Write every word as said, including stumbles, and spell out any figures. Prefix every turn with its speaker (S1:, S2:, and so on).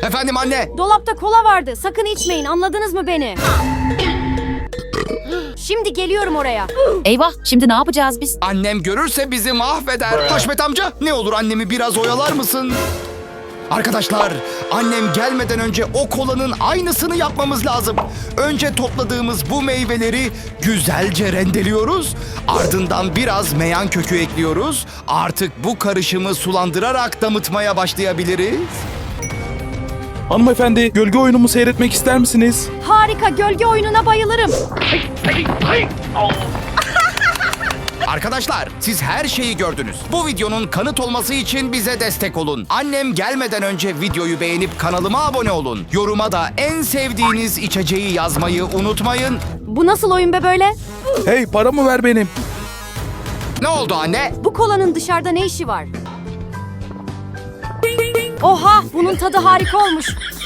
S1: Efendim anne.
S2: Dolapta kola vardı. Sakın içmeyin. Anladınız mı beni? Şimdi geliyorum oraya.
S3: Eyvah, şimdi ne yapacağız biz?
S1: Annem görürse bizi mahveder. Haşmet amca, ne olur annemi biraz oyalar mısın? Arkadaşlar, annem gelmeden önce o kolanın aynısını yapmamız lazım. Önce topladığımız bu meyveleri güzelce rendeliyoruz. Ardından biraz meyan kökü ekliyoruz. Artık bu karışımı sulandırarak damıtmaya başlayabiliriz.
S4: Hanımefendi, gölge oyunumu seyretmek ister misiniz?
S2: Harika. Gölge oyununa bayılırım.
S1: Arkadaşlar, siz her şeyi gördünüz. Bu videonun kanıt olması için bize destek olun. Annem gelmeden önce videoyu beğenip kanalıma abone olun. Yoruma da en sevdiğiniz içeceği yazmayı unutmayın.
S2: Bu nasıl oyun be böyle?
S4: Hey, paramı ver benim.
S1: Ne oldu anne?
S2: Bu kolanın dışarıda ne işi var? Oha! Bunun tadı harika olmuş.